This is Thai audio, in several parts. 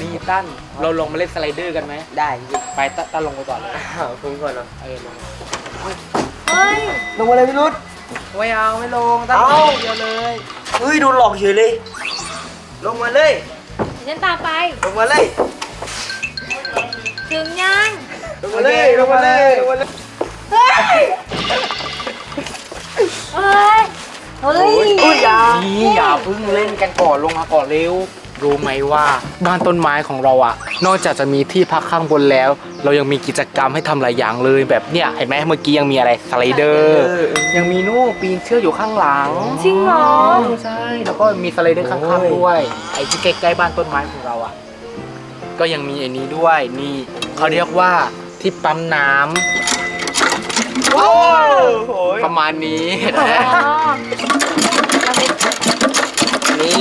นี่ตั้นเราลงมาเล่นสไลเดอร์กันไหมได้ไปตั้นลงไปก่อนเลยผมก่อนเนาะลงเฮ้ยลงมาเลยพี่รุดไม่เอาไม่ลงตั้นเดียวเลยเฮ้ยโดนหลอกเฉยเลยลงมาเลยฉันตามไปลงมาเลยถึงยังลงมาเลยลงมาเลยลงมาเลยเฮ้ยเฮ้ยเฮ้ยอย่าเพิ่งเล่นกันก่อนลงมาก่อนเร็วรู้ไหมว่าบ้านต้นไม้ของเราอ่ะนอกจากจะมีที่พักข้างบนแล้วเรายังมีกิจกรรมให้ทำหลายอย่างเลยแบบเนี้ยเห็นไหมเมื่อกี้ยังมีอะไรสไลเดอร์ยังมีนู่นปีนเชือกอยู่ข้างหลังจริงเหรอใช่แล้วก็มีสไลเดอร์ข้างๆด้วยไอ้ที่ใกล้ๆบ้านต้นไม้ของเราอ่ะก็ยังมีไอ้นี้ด้วยนี่เขาเรียกว่าที่ปั๊มน้ำประมาณนี้นี่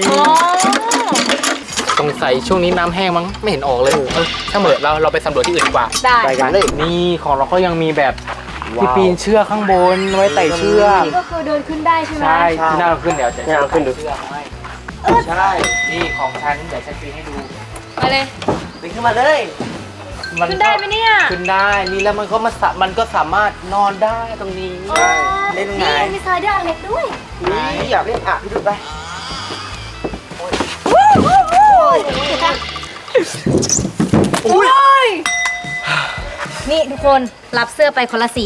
สงสัยช่วงนี้น้ำแห้งมั้งไม่เห็นออกเลยถ้าเหมือนเราไปสำรวจที่อื่นดีกว่าไปกันเลยนี่ของเราก็ยังมีแบบที่ปีนเชือกข้างบนไว้ไต่เชือกนี่ก็คือเดินขึ้นได้ใช่ไหมใช่ที่น่าขึ้นเดี๋ยวจะขึ้นดูใช่นี่ของฉันเดี๋ยวฉันปีนให้ดูมาเลยปีนขึ้นมาเลยขึ้นได้ไหมเนี่ยขึ้นได้นี่แล้วมันก็สามารถนอนได้ตรงนี้เล่นไงมีสไลเดอร์อันเล็กด้วยนี่อยากเล่นพี่ดูไปนี่ทุกคนรับเสื้อไปคนละสี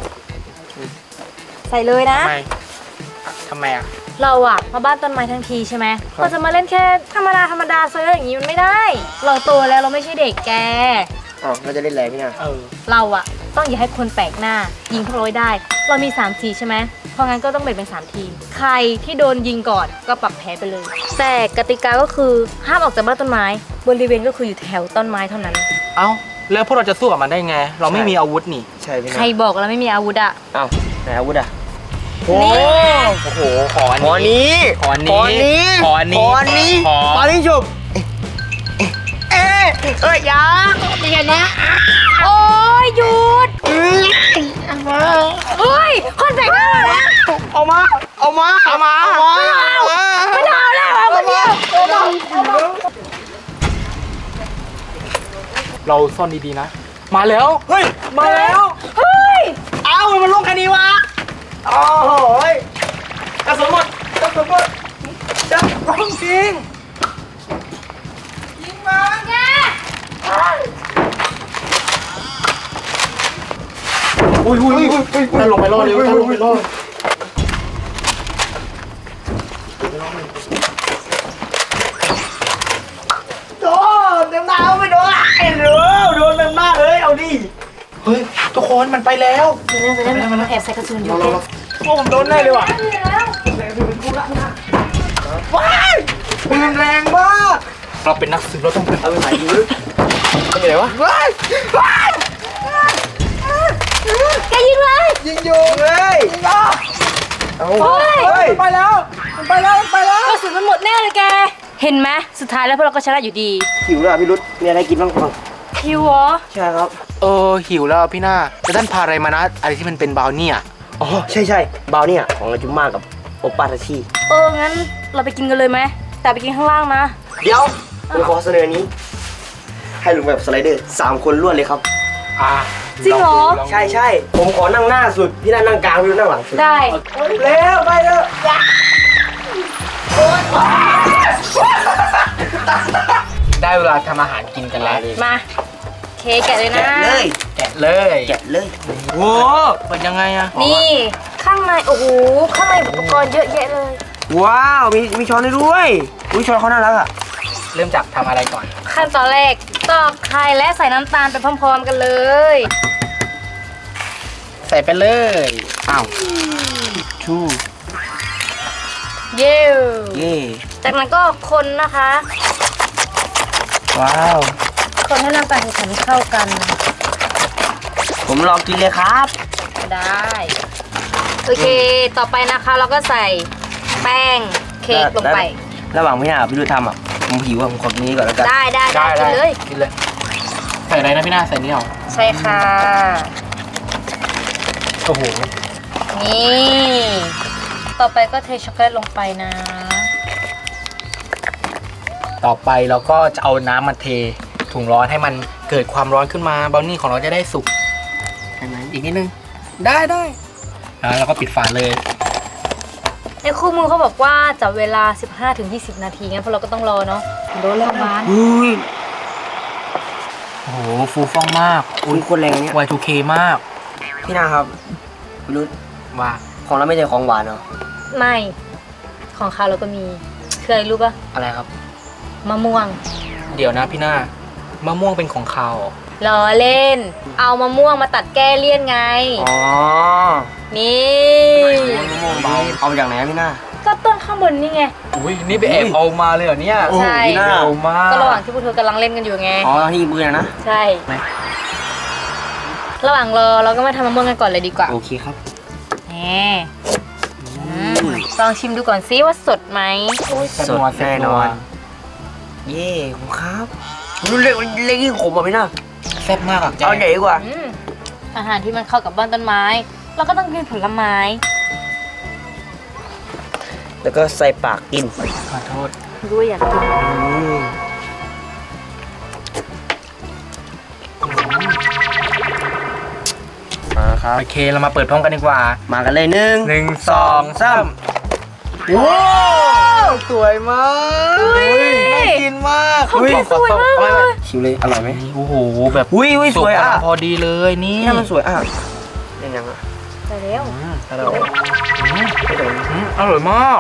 ใส่เลยนะทำไมอ่ะเราอะมาบ้านต้นไม้ทั้งทีใช่ไหมเราจะมาเล่นแค่ธรรมดาเซอร์อย่างนี้มันไม่ได้เราโตแล้วเราไม่ใช่เด็กแกเราจะเล่นอะไรพี่นาเราอะต้องอย่าให้คนแปลกหน้ายิงพวกเราได้เรามี3ทีใช่ไหมเพราะงั้นก็ต้องแบ่งเป็น3ทีมใครที่โดนยิงก่อนก็ปรับแพ้ไปเลยแต่กติกาก็คือห้ามออกจากบ้านต้นไม้บริเวณก็คืออยู่แถวต้นไม้เท่านั้นเอ้าแล้วพวกเราจะสู้กับมันได้ไงเราไม่มีอาวุธนี่ใช่พี่นาใครบอกเราไม่มีอาวุธอะไหนอาวุธอะโอ้โหขอนี้ขอนี้จุบยาอย่างนี้โอ้ยหยุดเฮ้ยคนแปลกหน้าเอามาไม่เอาแล้วเอาคนเดียวเราซ่อนดีๆนะมาแล้วเฮ้ยมันลงแค่นี้วะโอ้ยกระสุนหมดจะร้องจริงยิงมาแกถ้าลงไปรอดเร็วถ้าลงไปรอดเต็มหน้าไม่โดนโดนเต็มหน้าเลยเอาดิเฮ้ยทุกคนมันไปแล้วมันแอบใส่กระสุนอยู่ผมโดนได้เลยว่ะว้ายปืนแรงมากเราเป็นนักสืบเราต้องเป็นอะไรอยู่เป็นไงวะแกยิงเลยยิงอยู่เลยไปแล้วกระสุนมันหมดแน่เลยแกเห็นไหมสุดท้ายแล้วพวกเราก็ชนะอยู่ดีหิวแล้วพี่รุดมีอะไรกินบ้างหิวเหรอใช่ครับหิวแล้วพี่หน้าจะท่านพาอะไรมานะอะไรที่มันเป็นบราวนี่ใช่บราวนี่ของอาจุม่ากับโอปาทาชิงั้นเราไปกินกันเลยไหมแต่ไปกินข้างล่างนะเดี๋ยวผมขอเสนอนี้ให้ลงแบบสไลเดอร์3 คนรวดเลยครับจริงเหรอใช่ผมขอนั่งหน้าสุดพี่น่านั่งกลางพี่นั่งหลังสุดได้เร็วไปเร็วได้เวลาทำอาหารกินกันแล้วมาแกะเลยนะแกะเลยโอ้เป็นยังไงอะนี่ข้างในโอ้โหข้างในอุปกรณ์เยอะแยะเลยว้าวมีช้อนให้ด้วยช้อนเขาน่ารักอะเริ่มจากทำอะไรก่อนขั้นตอนแรกตอกไข่และใส่น้ำตาลไปพร้อมๆกันเลยใส่ไปเลยชูเย่จากนั้นก็คนนะคะว้าวคนให้น้ำตาลแข็งเข้ากันผมลองกินเลยครับได้โอเคต่อไปนะคะเราก็ใส่แป้งเค้กลงไประหว่างพี่ดูทำผมหิวผมขอนี้ก่อนแล้วกันได้กินเลยใส่อะไรนะพี่หน้าใส่นี่หรอใช่ค่ะโอ้โหนี่ต่อไปก็เทช็อกโกแลตลงไปนะต่อไปเราก็จะเอาน้ำมาเทถุงร้อนให้มันเกิดความร้อนขึ้นมาบราวนี่ของเราจะได้สุกใช่ไหมอีกนิดนึงได้แล้วเราก็ปิดฝาเลยในคู่มือเขาบอกว่าจับเวลา 15-20 นาทีงั้นพวกเราก็ต้องรอเนาะโดนแล้วมันอุ้ยโอ้โหฟูฟ่องมากอุ้ยคนแรงเนี่ย Y2K มากพี่นาครับพี่รุ่นว่าของเราไม่ใช่ของหวานเหรอไม่ของเขาเราก็มีคืออะไรรู้ปะอะไรครับมะม่วงเดี๋ยวนะพี่หน้ามะม่วงเป็นของเขาเหรอล้อเล่น เอามะม่วงมาตัดแก้เลี่ยนไงอ๋อนี่เอามาจากไหนอะพี่นาก็ต้นข้างบนนี่ไงอุ้ยนี่ไปแอบเอามาเลยเหรอเนี่ยใช่พี่นาเอามากก็ระหว่างที่พวกเธอกำลังเล่นกันอยู่ไงอ๋อที่ยิงปืนอะนะใช่ ระหว่างรอเราก็มาทำมะม่วงกันก่อนเลยดีกว่าโอเคครับแหมลองชิมดูก่อนซิว่าสดไหมสดแน่นอน เย่ผมครับรุ่นเล็กเล็กยิ่งขมอ่ะพี่นาแซ่บมากอ่ะแกเอาใหญ่ดีกว่าอาหารที่มันเข้ากับบ้านต้นไม้ เราก็ต้องกินผลไม้แล้วก็ใส่ปากกินขอโทษด้วยอยากกินมาครับโอเคเรามาเปิดพร้อมกันดีกว่ามากันเลย1 1 2 3ว้าวสวยมากน่ากินมากของแกสวยมากเลยชิมเลยอร่อยไหมโอ้โหแบบอุ้ยสวยอ่ะกำลังพอดีเลยนี่นี่มันสวยอ่ะยังยังอ่ะไปแล้วอร่อยอร่อยมาก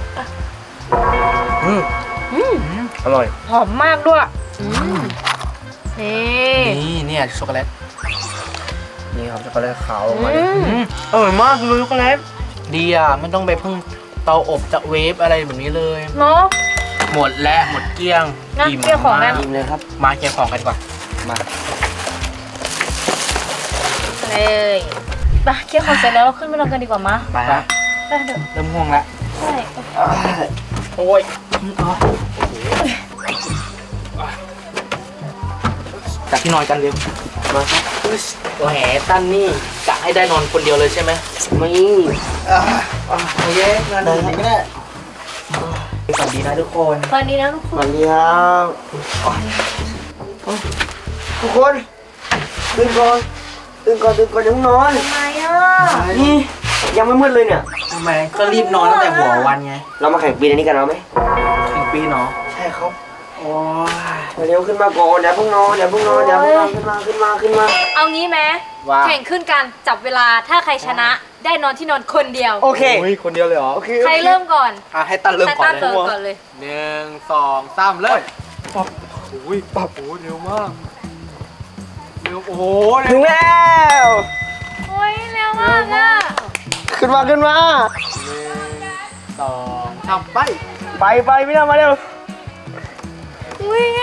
อร่อยหอมมากด้วยนี่นี่เนี่ยช็อกโกแลตนี่ครับช็อกโกแลตขาวออกมาอร่อยมากเลยช็อกโกแลตดีอ่ะไม่ต้องไปพึ่งเตาอบจากเวฟอะไรแบบนี้เลยเนาะหมดแล้วหมดเกลี้ยงนะเกลี้ยงของแล้วชิมเลยครับมาเกลี้ยงของกันดีกว่ามาเลยไปเคี่ยวของเสร็จแล้วเราขึ้นไปนอนกันดีกว่ามาไปครับไปเดี๋ยวเริ่มง่วงแล้วใช่โอ้ยจัดที่นอนกันเร็วมาครับตัวแหตั้นนี่กะให้ได้นอนคนเดียวเลยใช่ไหมไม่โอเคนอนดีก็ได้ฝันดีนะทุกคนตอนนี้นะทุกคสวัน สดีครับทุกคนตื่นก่อนยังนอนทำไมอ่ะนี่ยังไม่มืดเลยเนี่ยทำไมก็รีบนอนตั้งแต่หัววันไงเรามาแข่งปีนอันนี้กันเอาไหมถึงปีเนาะใช่ครับโอ้ยเร็วขึ้นมาก่อนอย่าเพิ่งนอนขึ้นมาเอางี้ไหมว่าแข่งขึ้นกันจับเวลาถ้าใครชนะได้นอนที่นอนคนเดียวโอเคโอ้ยคนเดียวเลยเหรอโอเคใครเริ่มก่อนให้ตั้นเริ่มก่อนตั้เลเริ่มยก่อนเลย 1 2 3เริ่มปั๊บโอ้ยปั๊บโอ้เร็วมากเร็วโอ้โหเร็ถึวงแล้วโอ้ยเร็วมากอ่ะขึ้นมา 1 2 3ไปไปพี่นามาเร็วอุ้ย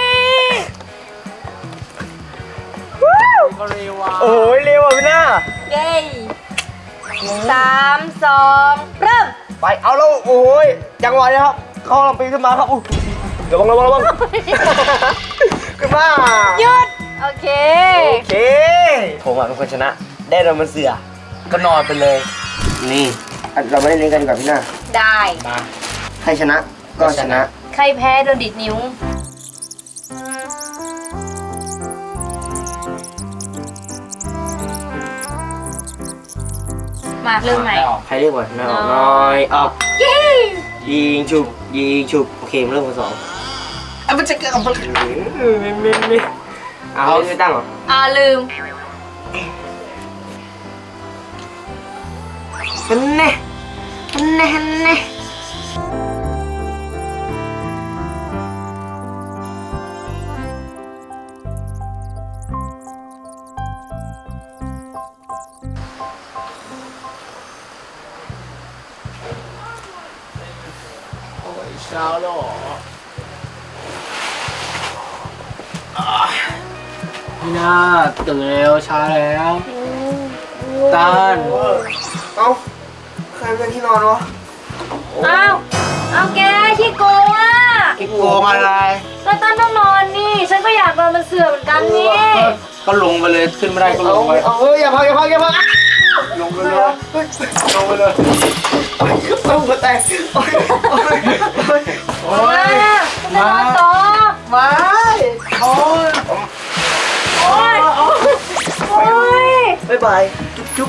ก็เร็วว่ะโอ้ยเร็วอ่ะพี่นาเย้3 2 เริ่มไปเอาแล้วโอ้ยจังหวะนี้ครับเข้าลำปีนขึ้นมาครับระวังขึ้นมาหยุด โอเคโอเคผมเป็นคนชนะ ได้เรามันเสือก็นอนไปเลยนี่เราไม่ได้เล่นกันดีกว่าพี่นาได้มาใครชนะก็ชนะใครแพ้โดนดิดนิ้ว มาเริ่มใหม่ใครเรียกก่อนน้อยออกเย้ยิงฉุบโอเคเริ่มคนสองมันจะเกิดอะไรไม่เอาไม่ตั้งหรอลืมฮันเน่เช้าแล้วเหรอพี่นาตื่นแล้วช้าแล้วตันเอาใครเป็นที่นอนวะเอาแกขี้โกงอ่ะกิ๊กโกงอะไรแล้วตั้นต้องนอนนี่ ฉันก็อยากนอนมันเสื่อเหมือนกันนี่ก็ลงไปเลยขึ้นไม่ได้ก็ลงไปอย่าพังลงไปเลยลงไปเลยต้องหัวแตกมาจะนอนต่อโอ้ยโอ้ยโอ้ยบ๊ายบายจุ๊บ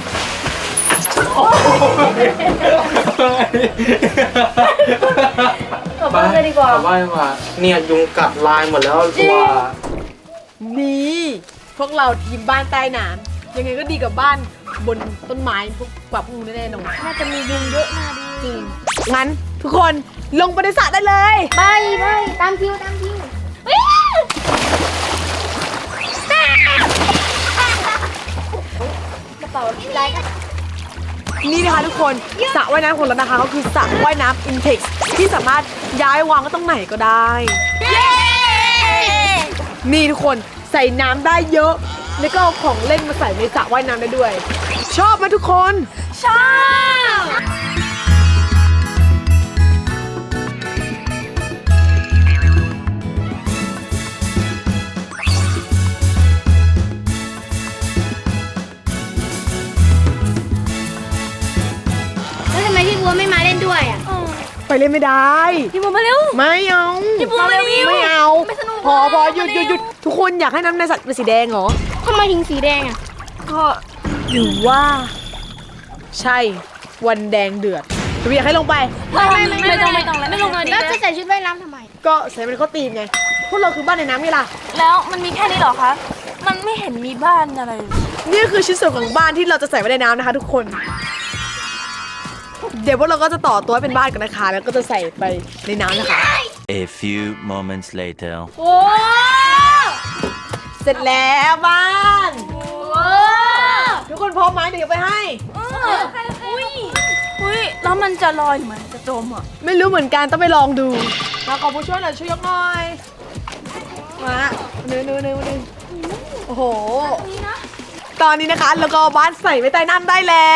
กลับบ้านเลยดีกว่ากลับบ้านดีกว่าเนี่ยยุงกัดลายหมดแล้วตัวนี่พวกเราทีมบ้านใต้น้ำยังไงก็ดีกับบ้านบนต้นไม้พวกกว่าพวกนู้นแน่นอนน่าจะมียุงเยอะน่าดูจริงงั้นทุกคนลงไปในสระได้เลยไปตามคิวกระเป๋าอะไรกันนี่นะคะทุกคนสระว่ายน้ำของเรานะคะก็คือสระว่ายน้ำ Intex ที่สามารถย้ายวางก็ตรงไหนก็ได้ นี่ทุกคนใส่น้ำได้เยอะ แล้วก็เอาของเล่นมาใส่ในสระว่ายน้ำได้ด้วย ชอบไหมทุกคนชอบแล้วทำไมพี่บัวไม่มาเล่นด้วยอ่ะไปเล่นไม่ได้พี่บัวมาเร็วไม่เอาพี่บัวมาเร็วไม่เอาไม่สนุกพอหยุดทุกคนอยากให้น้ำในสระเป็นสีแดงเหรอทำไมถึงสีแดงอ่ะก็หรือว่า ใช่วันแดงเดือดหรืออยากให้ลงไปไม่ต้องแล้วไม่ลงเลยแล้วจะใส่ชุดว่ายน้ำทำไมก็ใส่เป็นข้อตีมไง พวกเราคือบ้านในน้ำไงล่ะแล้วมันมีแค่นี้เหรอคะ มันไม่เห็นมีบ้านอะไรเลยนี่คือชิ้นส่วนของบ้านที่เราจะใส่ไว้ในน้ำนะคะทุกคน เดี๋ยวพวกเราก็จะต่อตัวให้เป็นบ้านกันนะคะ แล้วก็จะใส่ไปในน้ำนะคะ A few moments later. โอ้เสร็จแล้วบ้าน ทุกคนพร้อมไหมเดี๋ยวไปให้อุ้ยแล้วมันจะลอยหรือมันจะจมอ่ะไม่รู้เหมือนกันต้องไปลองดู มาขอผู้ช่วยหน่อยช่วยยกหน่อย มาหนึ่งโอ้โห ตอนนี้นะคะเราก็เอาบ้านใส่ไว้ใต้น้ำได้แล้ว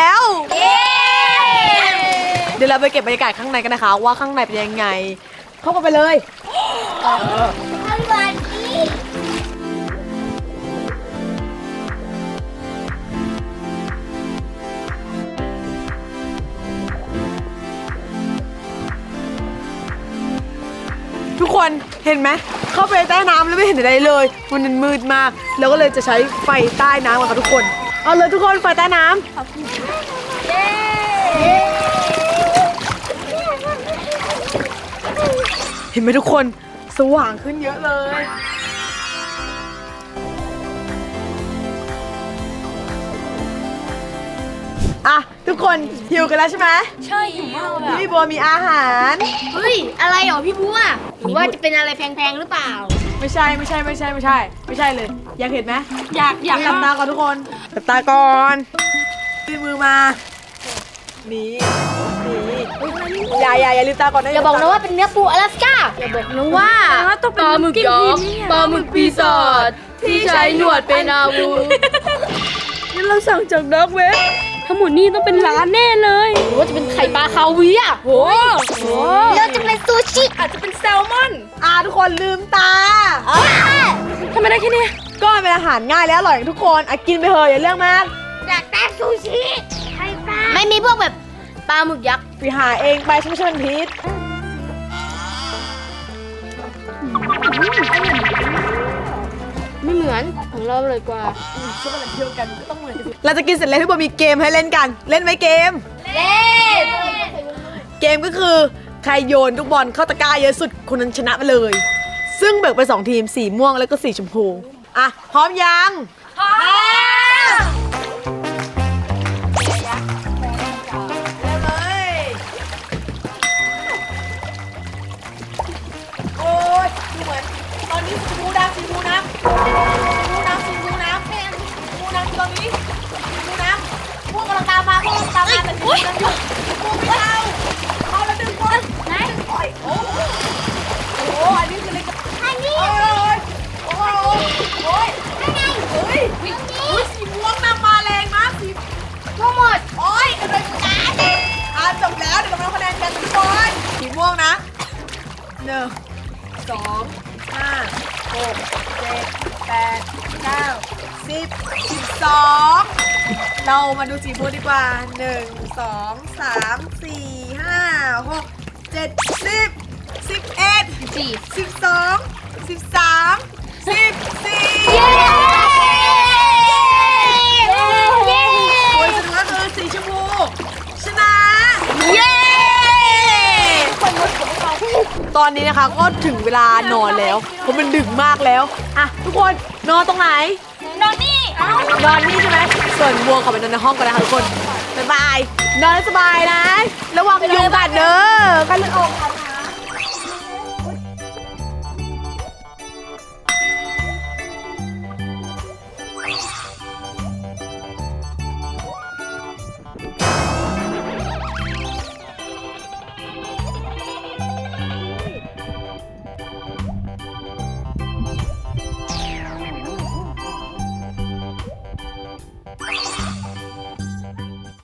เดี๋ยวเราไปเก็บบรรยากาศข้างในกันนะคะ ว่าข้างในเป็นยังไง เข้าไปเลย ทุกคนเห็นไหมเข้าไปใต้น้ำแล้วไม่เห็นอะไรเลยมันมืดมากเราก็เลยจะใช้ไฟใต้น้ำกันค่ะทุกคนเอาเลยทุกคนไฟใต้น้ำเห็นไหมทุกคนสว่างขึ้นเยอะเลยอ่ะทุกคนหิวกันแล้วใช่ไหมใช่อยู่มากเลยพี่บัวมีอาหารเฮ้ย อะไรเหรอพี่บัวหรือว่าจะเป็นอะไรแพงๆหรือเปล่าไม่ใช่เลย อยากเห็นไหมอยากหลับตาก่อนทุกคนหลับตาก่อนมีมือมานี่อย่าลืมตาก่อนนะอย่าบอกนะว่าเป็นเนื้อปูอลาสก้า อย่าบอกนะว่าปลาหมึกยักษ์ปลาหมึกปีศาจที่ใช้หนวดเป็นอาวุธนี่เราสั่งจากดักเว็บทั้งหมดนี่ต้องเป็นร้านแน่เลยหรือว่าจะเป็นไข่ปลาคาเวียร์โอ้โหแล้วจะเป็นซูชิอาจจะเป็นแซลมอนทุกคนลืมตาทำไมได้แค่นี้ก็เป็นอาหารง่ายและอร่อยทุกคนกินไปเถอะอย่าเรื่องมากอยากได้ซูชิไข่ปลาไม่มีพวกแบบปลาหมึกยักษ์ไปหาเองไปช่วยพิษไม่เหมือนของเราเลยกว่าเราจะกินเสร็จแล้วพี่บัวมีเกมให้เล่นกันเล่นไหมเกมเล่นเกมก็คือใครโยนลูกบอลเข้าตะกร้าเยอะสุดคนนั้นชนะไปเลย ซึ่งแบ่งเป็น2 ทีมสีม่วงแล้วก็สีชมพูอ่ะพร้อมยังพร้อมโอ้ยดูเหมือนตอนนี้สีมูน้ำสีมูน้ำสีมูน้ำตอนนี้สีมูน้ำพวกกำลังตามมาแต่สีมูน้ำอยู่พวกไม่เอาแล้วดึงคนไหนโอ้ยโอ้อันนี้คืออะไรกันอันนี้โอ้ยสีม่วงนำมาแรงมากสีทั้งหมดโอ้ยกระโดดการจบแล้วเดี๋ยวเรามาคะแนนกันทุกคนสีม่วงนะ1 2 5 6 7 8 9 10 12เรามาดูสีม่วงดีกว่า1 2 3 4 5 6 7 10 11 12 13 14 เย้ผลสรุปก็คือสีชมพูชนะเย้ตอนนี้นะคะก็ถึงเวลานอนแล้วเพราะมันดึกมากแล้วอ่ะทุกคนนอนตรงไหนนอนนี่นอนนี่ใช่ไหมส่วนบัวขอไปนอนในห้องก่อนนะคะทุกคนบ๊ายบายนอนให้สบายนะระวังยุงกัดเด้อกันเลยออก